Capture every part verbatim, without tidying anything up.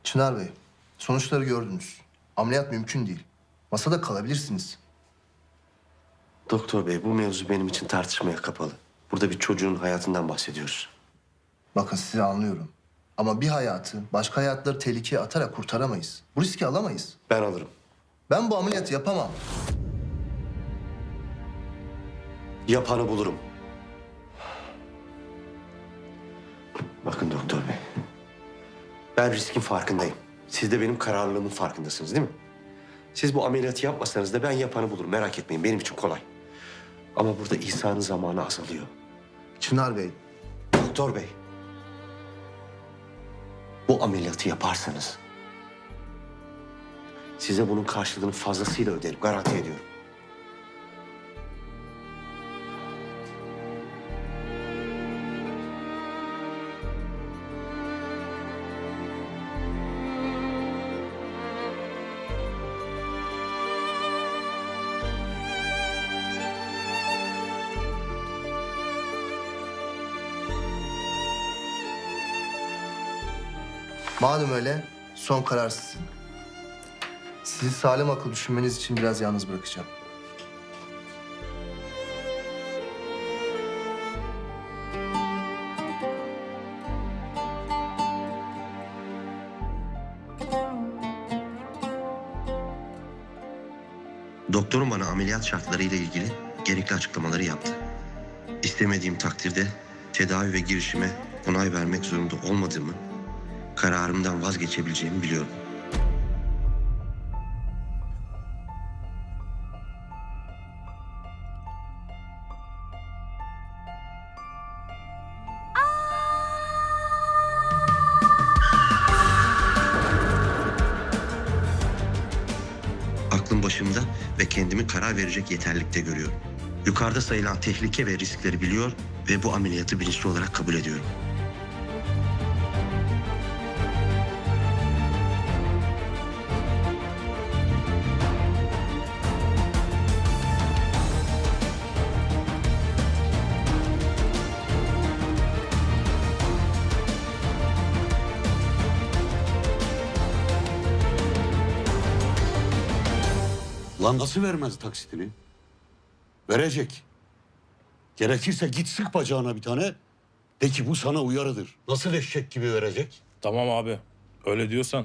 Çınar Bey, sonuçları gördünüz. Ameliyat mümkün değil. Masada kalabilirsiniz. Doktor bey, bu mevzu benim için tartışmaya kapalı. Burada bir çocuğun hayatından bahsediyoruz. Bakın sizi anlıyorum. Ama bir hayatı başka hayatları tehlikeye atarak kurtaramayız. Bu riski alamayız. Ben alırım. Ben bu ameliyatı yapamam. Yapanı bulurum. Bakın doktor bey. Ben riskin farkındayım. Siz de benim kararlılığımın farkındasınız değil mi? Siz bu ameliyatı yapmasanız da ben yapanı bulurum. Merak etmeyin, benim için kolay. Ama burada İsa'nın zamanı azalıyor. Çınar Bey, Doktor bey. Bu ameliyatı yaparsanız size bunun karşılığını fazlasıyla öderim. Garanti ediyorum. madem öyle son karar sizin. Sizi salim akıl düşünmeniz için biraz yalnız bırakacağım. Doktorum bana ameliyat şartlarıyla ilgili gerekli açıklamaları yaptı. İstemediğim takdirde tedavi ve girişime onay vermek zorunda olmadığımı, kararımdan vazgeçebileceğimi biliyorum. Aklım başımda ve kendimi karar verecek yeterlikte görüyorum. Yukarıda sayılan tehlike ve riskleri biliyor ve bu ameliyatı bilinçli olarak kabul ediyorum. Lan nasıl vermez taksitini? Verecek. Gerekirse git sık bacağına bir tane. De ki bu sana uyarıdır. Nasıl eşek gibi verecek? Tamam abi. Öyle diyorsan.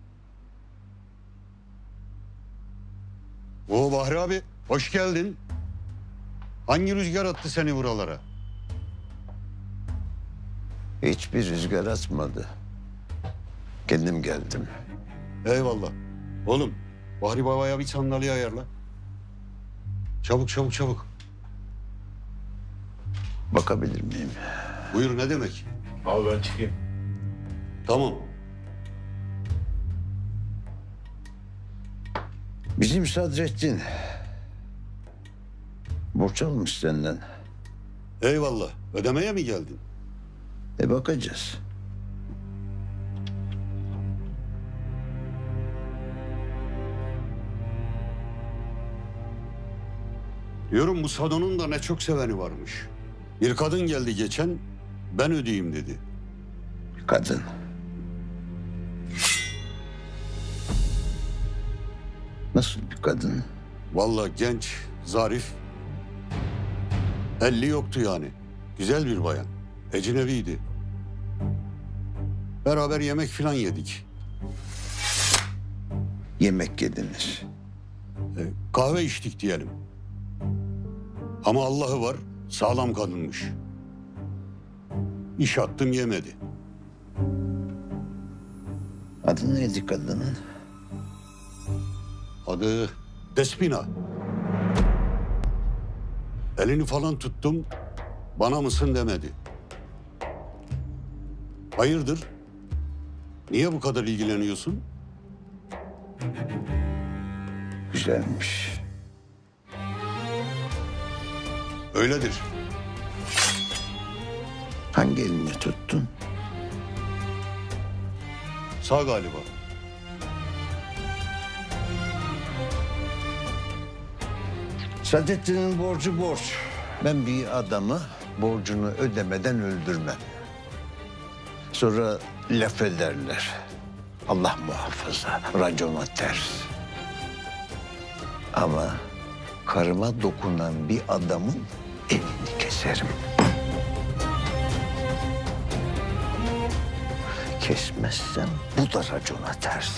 Oo Bahri abi, hoş geldin. Hangi rüzgar attı seni buralara? Hiçbir rüzgar atmadı. Kendim geldim. Eyvallah. Oğlum, Bahri babaya bir sandalye ayarla. Çabuk çabuk çabuk. Bakabilir miyim? Buyur, ne demek? Abi ben çıkayım. Tamam. Bizim Sadrettin borç almış senden. Eyvallah. Ödemeye mi geldin? E bakacağız. Diyorum bu Sado'nun da ne çok seveni varmış. Bir kadın geldi geçen, ben ödeyeyim dedi. Kadın. Nasıl bir kadın? Vallahi genç, zarif. Elli yoktu yani. Güzel bir bayan. Ecnebiydi. Beraber yemek falan yedik. Yemek yediniz. E, kahve içtik diyelim. Ama Allah'ı var, sağlam kadınmış. İş attım yemedi. Adı neydi kadının? Adı Despina. Elini falan tuttum, bana mısın demedi. Hayırdır? Niye bu kadar ilgileniyorsun? Güzelmiş. Öyledir. Hangi elini tuttun? Sağ galiba. Sadrettin'in borcu borç. Ben bir adamı borcunu ödemeden öldürmem. Sonra laf ederler. Allah muhafaza racona ters. Ama karıma dokunan bir adamın elini keserim. Kesmezsem bu da racona ters.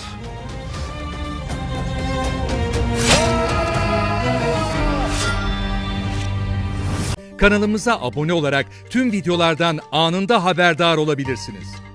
Kanalımıza abone olarak tüm videolardan anında haberdar olabilirsiniz.